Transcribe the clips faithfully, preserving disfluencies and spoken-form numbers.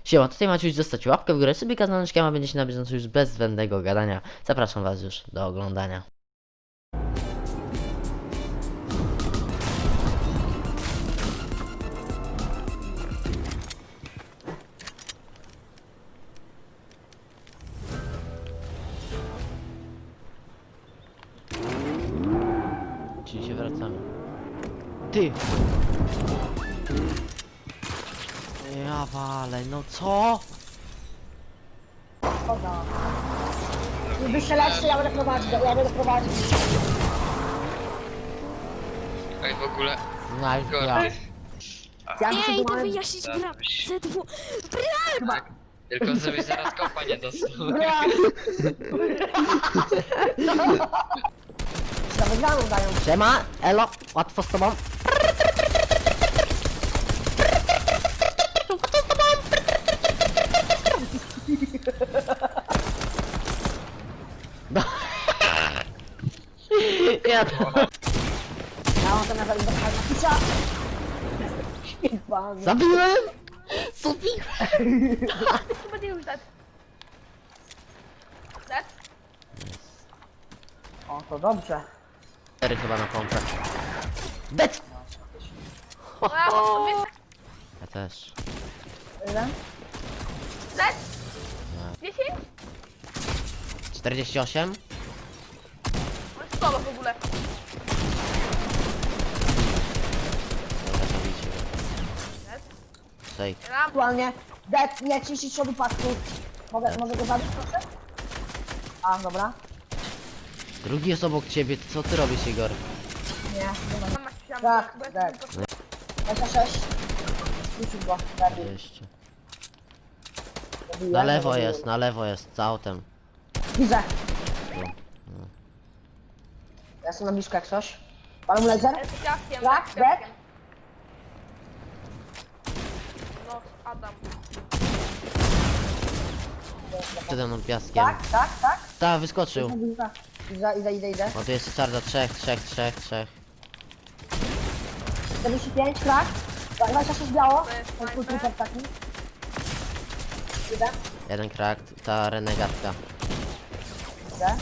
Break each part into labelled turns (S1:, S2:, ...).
S1: Siema, tutaj macie już zostać łapkę w górę, sobie kanałeczkiem, a będziecie na bieżąco już bez zbędnego gadania. Zapraszam was już do oglądania. Czyli się wracamy. Ty! Ja walę, no co?
S2: Szkoda. Nie wystrzelać, to ja będę prowadzić, ja będę prowadzić.
S3: Ej, w ogóle...
S1: Najpierw ja.
S2: Ja
S4: Nie,
S2: muszę
S4: idę
S2: tu
S4: wyjaśnić
S3: Tak,
S4: gra.
S3: byś-
S4: Z dwu...
S3: Tak, tylko żebyś zaraz kopa nie dostał.
S2: Na wygraną dają.
S1: Siema, elo, łatwo z tobą. Ja to...
S2: Ja mam ten nawet do pisa. Pan.
S1: Zabiłem! Zabiłem!
S5: To będzie już dead. Dead?
S2: O, to dobrze.
S1: Cztery chyba na pompę. Bec!
S5: No ja mam sobie
S1: Ja też.
S2: Ile?
S5: dead? dziesięć?
S1: czterdzieści osiem?
S5: On jest solo w ogóle.
S1: Dobra, zabijcie go.
S5: Dead?
S1: Shake.
S5: Ram.
S2: Aktualnie. Dead, nie ciśnij przodu pasku. Mogę, mogę go zabić proszę? A, dobra.
S1: Drugi jest obok ciebie, co ty robisz, Igor?
S2: Nie, nie ma.
S5: Mam na ścianę,
S2: Tak,
S5: bo ja
S2: tak.
S5: tylko-
S2: dwadzieścia sześć. Rzucił go. Zabił.
S1: Jeszcze.
S2: Zabiłem,
S1: Na lewo
S2: zabiłem.
S1: jest, na lewo jest, za autem.
S2: Widzę.
S1: Tu.
S2: Ja jestem na blisko jak coś. Palą laser?
S5: Ja z ciaskiem,
S2: Tak,
S5: z
S2: dead?
S5: ciaskiem. No, Adam.
S1: Przede mną piaskiem.
S2: Tak, tak, tak.
S1: Ta, wyskoczył.
S2: Idę, idę, idę, idę, idę.
S1: O, tu jest czarda, trzech, trzech, trzech, trzech.
S2: czterdzieści pięć, krak. dwadzieścia sześć biało.
S5: To jest
S2: Ten twój
S5: sniper.
S2: trooper taki. Idę,
S1: Jeden krak, ta renegatka.
S2: idę.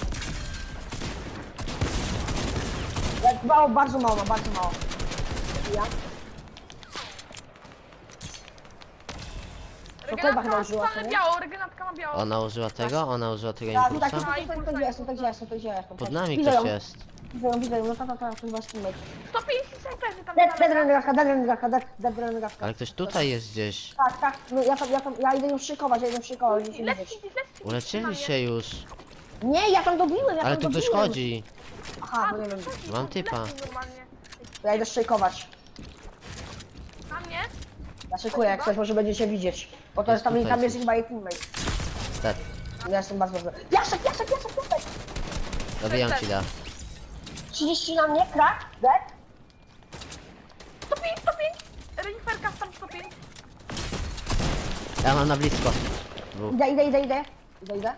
S2: Jak mało, bardzo mało, ma, bardzo mało. Ja. To chyba chyba użyła,
S5: Regenatka
S2: co
S5: ma
S2: nie?
S5: biało, regenatka ma biało.
S1: Ona użyła tego, ona użyła tego
S2: Tak, tutaj,
S1: impulsa.
S2: tutaj, tutaj, tutaj, gdzie jestem, tutaj, gdzie jestem, tutaj, gdzie jestem.
S1: Pod nami
S2: Widzę
S1: ktoś
S2: ją,
S1: jest.
S2: widzę ją, widzę ją, no ta, ta, ta, to chyba teammate.
S5: sto pięćdziesiąt snajperzy tam
S2: Dead,
S5: na
S2: dead
S5: lewo.
S2: renegatka, dead renegatka, dead, dead renegatka.
S1: Ale ktoś tutaj jest gdzieś.
S2: Tak, tak, no ja tam, ja tam, ja idę ją szykować, ja idę ją szykować, żeby się
S5: Lecz,
S2: widzieć.
S5: lecz, lecz.
S1: Uleczyli się już.
S2: Nie, ja tam dobiłem, ja
S1: Ale
S2: tam
S1: tu ktoś
S2: dobiłem.
S1: chodzi.
S2: Aha, bo nie wiem,
S1: Mam typa.
S5: Normalnie.
S2: to ja idę szykować.
S5: Na mnie?
S2: Ja szykuję jak coś, może będzie się widzieć. Bo to
S1: Jest
S2: jest tam,
S1: tutaj
S2: tam jest
S1: coś.
S2: chyba jej teammate.
S1: Dead.
S2: Ja jestem bardzo dobry. Piasek, piasek, piasek, piasek!
S1: Dobijam ci da.
S2: trzydzieści na mnie, krak, dead.
S5: sto pięć, sto pięć. Reniferka tam sto pięć.
S1: Ja mam na blisko. Dwóch.
S2: Idę, idę, idę, idę. Idę, idę.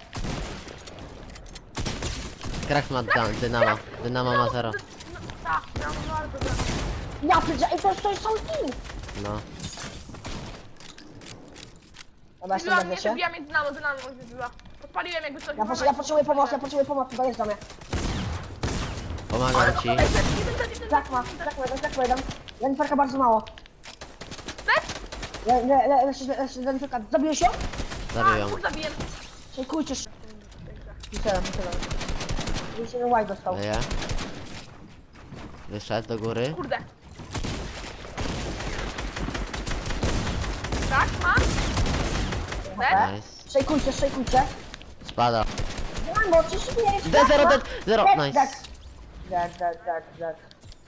S1: Krak ma da, dynamo. Dynamo ma zero.
S5: No, tak, no, bardzo dobrze.
S2: Ja pierdzę, ej, to jest, to jest cały team.
S1: No.
S2: Dobra, jestem
S5: Wybiła
S2: na
S5: mnie,
S2: wiecie.
S5: wybiła mnie dynamo, dynamo mnie wybiła. Podpaliłem jakby coś.
S2: Ja, potrze- ja potrzebuję pomocy, ja potrzebuję pomocy, dojeżdża mnie.
S1: Pomagam ci.
S2: Tak ma, tak ma, tak ma, jeden. Reniferka bardzo mało.
S5: Lecz!
S2: Le, le, le, le, le, Reniferka, zabiłeś ją?
S1: Zabiję.
S5: Kur zabiję.
S2: Szykujcie, sz... Myślałem, myślałem. Gdzieś jeden white dostał.
S1: Leje. Wyszedł do góry.
S5: Kurde. Tak, mam. Dead?
S1: Nice.
S2: Szejkujcie, szejkujcie.
S1: Spada.
S2: Dynamo, trzydzieści pięć.
S1: D zero, D zero,
S2: Dead,
S1: nice.
S2: dead. Dead, dead, dead, dead.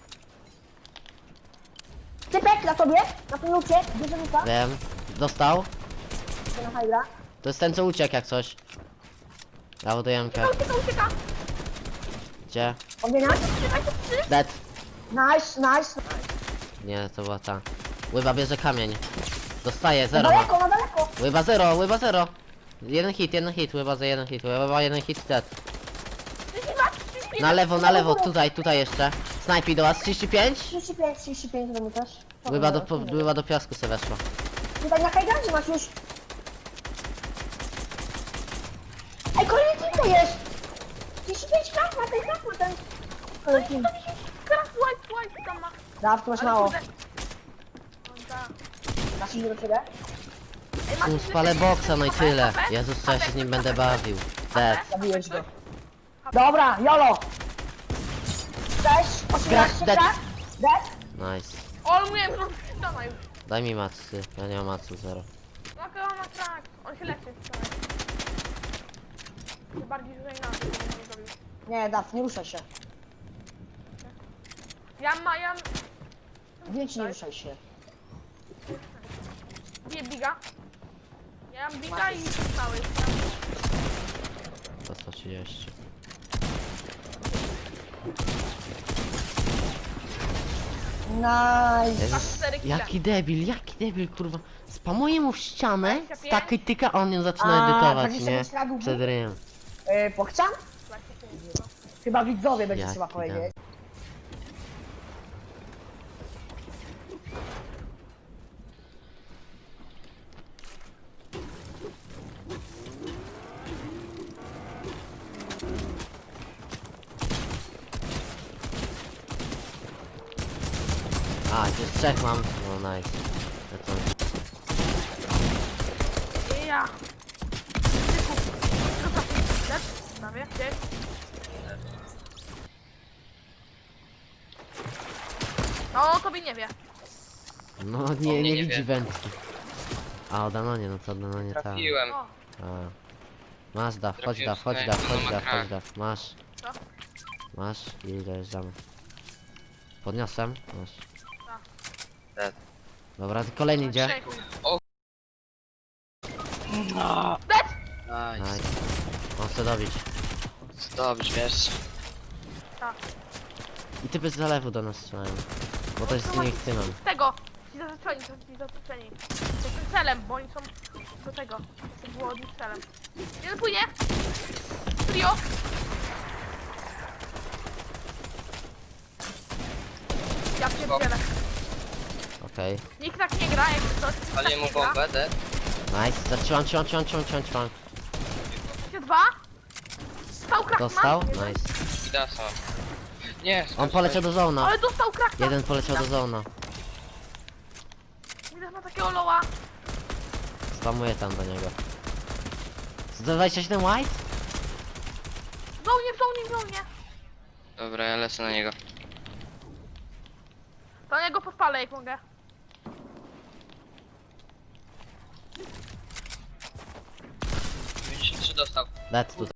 S2: Typek na tobie, na tym lucie, bierze luka,
S1: Wiem. Dostał.
S2: na hajra.
S1: To jest ten, co uciekł jak coś. Ja ładuję Mkę.
S5: Ucieka, ucieka.
S1: Gdzie?
S2: Ogienia.
S5: Uciekaj, to trzy.
S1: Dead.
S2: Nice, nice.
S1: Nie, to była ta. Łyba bierze kamień. Dostaje, zero ma.
S2: Daleko, na daleko.
S1: Łyba zero, łyba zero. Jeden hit, jeden hit, łyba za jeden hit, łyba jeden hit, dead.
S5: trzydzieści dwa, trzydzieści pięć.
S1: Na lewo, na lewo, tutaj, tutaj jeszcze. Snajpi do was, trzydzieści pięć.
S2: trzydzieści pięć, trzydzieści pięć do mnie też.
S1: Łyba do, po- łyba do piasku se weszła.
S2: Tutaj na hajrandzie masz już. to jest? trzydzieści pięć krat ma ten krat ma ten. Ale kim?
S5: Teraz white, white tam ma.
S2: Daw, tu masz
S5: Ale
S2: mało.
S5: kurde. No tak.
S2: Masz iść do ciebie?
S5: Ej, masz
S1: Tu
S5: ile
S1: spalę
S5: sekund?
S1: boksa, no i
S5: Kopę,
S1: tyle.
S5: kopę?
S1: Jezus, co ja się
S5: Kopę,
S1: z nim
S5: kopę,
S1: będę
S5: kopę.
S1: bawił. Dead.
S2: Zabiłeś go. Dobra, jolo! Cześć, osiemnaście
S1: Dead.
S2: krat? Dead?
S1: Nice.
S5: O, ale mówiłem, że on ściana już.
S1: Daj mi macy, ja nie mam macy, zero.
S5: No to on ma krak. On się leczy. wczoraj. Tym bardziej, że inaczej bym nie zrobił.
S2: Nie, Daw, nie ruszaj się.
S5: Ja ma, ja...
S2: Więc nie ruszaj się.
S5: Bije biga. Ja mam biga i cały.
S1: To sto trzydzieści.
S2: Nice.
S1: Jezus,
S5: cztery kile.
S1: jaki debil, jaki debil, kurwa. Spamuje mu w ścianę,
S5: dwadzieścia pięć.
S1: takiej tyka, a on ją zaczyna
S2: A,
S1: edytować,
S2: dwadzieścia
S1: nie?
S2: pięć radów.
S1: Przed ryjem.
S2: Yy, pochciam? Chyba widzowie będzie
S1: Jaki
S2: trzeba
S1: tam.
S2: powiedzieć.
S1: A, już trzech mam. No nice. Ja to...
S5: Ja. Lecz, prawie, gdzieś. No, tobie nie wie.
S1: No
S3: O
S1: nie,
S3: mnie
S1: nie
S3: nie
S1: widzi
S3: wie.
S1: wędki. A o Danonie, no to Danonie tam.
S3: Trafiłem.
S5: O,
S1: A. Masz daw, chodź
S3: Trafiłem
S1: daw, chodź
S3: w
S1: daw,
S3: snajpę,
S1: chodź
S3: no ma
S1: daw,
S3: krak.
S1: chodź daw, masz.
S5: Co?
S1: Masz i dojeżdżamy. Podniosłem? Masz.
S3: Dead.
S1: Dobra, kolejny idzie.
S5: trzech.
S3: Nice.
S1: Nice. On chce dobić.
S3: Dobrze, wiesz.
S5: Tak.
S1: I typy z zalewu do nas strzelają. Bo to jest z innych tymem.
S5: Tego. Ci zaznaczeni, to ci zaznaczeni. To tym celem, bo oni są do tego. To było od nich celem. Jeden płynie. Trio. Ja pierdzielę.
S1: Okej.
S5: Nikt tak nie gra, jak ktoś tak
S3: Ale
S5: nie
S3: mu
S5: gra.
S3: bombę, dead.
S1: Nice. Zatrzymam, trzymam, trzymam, trzymam, trzymam, trzymam.
S5: Jeszcze dwa. Stał krakman.
S1: Dostał?
S5: Jeden.
S1: Nice.
S3: I da są. Nie,
S1: On poleciał do zona.
S5: Ale dostał krakman.
S1: Jeden poleciał do zona.
S5: Jeden ma takiego loła.
S1: Spamuję tam do niego. sto dwadzieścia siedem white?
S5: W zonie, w zonie, w zonie.
S3: Dobra, ja lecę na niego.
S5: To na niego podpalę, jak mogę.
S3: dziewięćdziesiąt trzy dostał.
S1: Dead tutaj.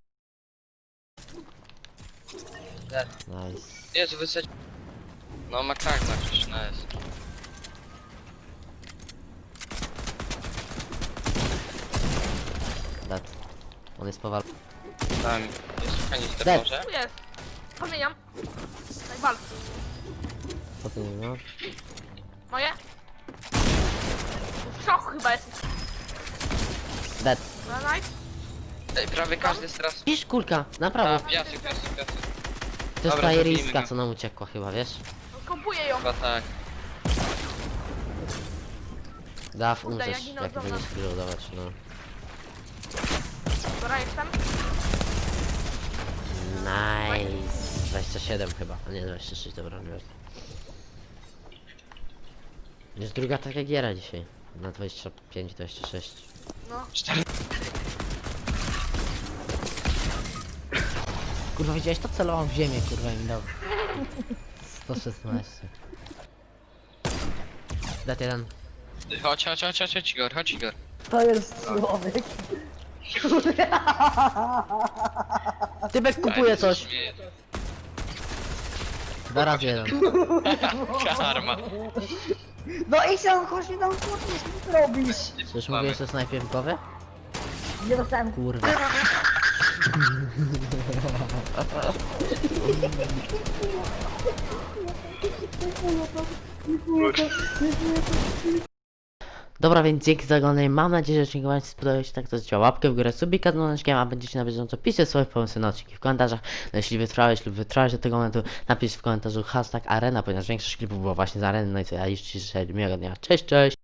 S3: Dead.
S1: Nice.
S3: Jezu, wysadź. No ma krak na krzyż, no jest.
S1: Dead. On jest powal...
S3: Tam jest kanister
S1: Dead.
S3: może?
S5: Tu jest. Podmieniam. Najbal.
S1: Co ty nie no?
S5: Moje? W szoku chyba jest.
S1: Dead.
S5: Dobra, nice.
S3: Ej, prawie każdy jest teraz...
S1: Widzisz kulka, na
S3: A,
S1: prawo.
S3: piasek, piasek, piasek.
S1: To jest
S3: dobra,
S1: ta
S3: zabijmy
S1: iriska,
S3: go.
S1: co nam uciekła chyba, wiesz?
S5: Kompuję ją.
S3: Chyba tak.
S1: Daw,
S5: Kurde,
S1: umrzesz,
S5: ja ginę
S1: jak
S5: od
S1: będziesz
S5: dawna.
S1: reloadować, no.
S5: Dobra, jestem.
S1: Nice. dwadzieścia siedem chyba, a nie dwadzieścia sześć, dobra, nie wiem. Jest druga taka giera dzisiaj. Na dwadzieścia pięć, dwadzieścia sześć.
S5: No.
S3: Cztery.
S1: Kurwa, widziałeś to? Celowałem w ziemię, kurwa, im dał. sto szesnaście. Dat jeden.
S3: Chodź, chodź, chodź, chodź, chodź Igor, chodź Igor.
S2: To jest człowiek.
S1: Tybek kupuje coś. Dwa razy jeden.
S3: Karma.
S2: No i się, chodź mi tam chłopie, co ty robisz?
S1: Czyż mówiłeś o snajpie w głowie?
S2: Nie dostałem.
S1: Kurwa. Dobra, więc dzięki za oglądanie. Mam nadzieję, że odcinek Wam się spodobał. Jeśli tak, to zostawcie łapkę w górę, subika z dzwoneczkiem, a będziecie na bieżąco pisać swoje pomysły na odcinki w komentarzach. No, jeśli wytrwałeś lub wytrwałeś do tego momentu, napisz w komentarzu hashtag arena, ponieważ większość klipów było właśnie z areny. No i co, ja już Ci życzę miłego dnia. Cześć, cześć!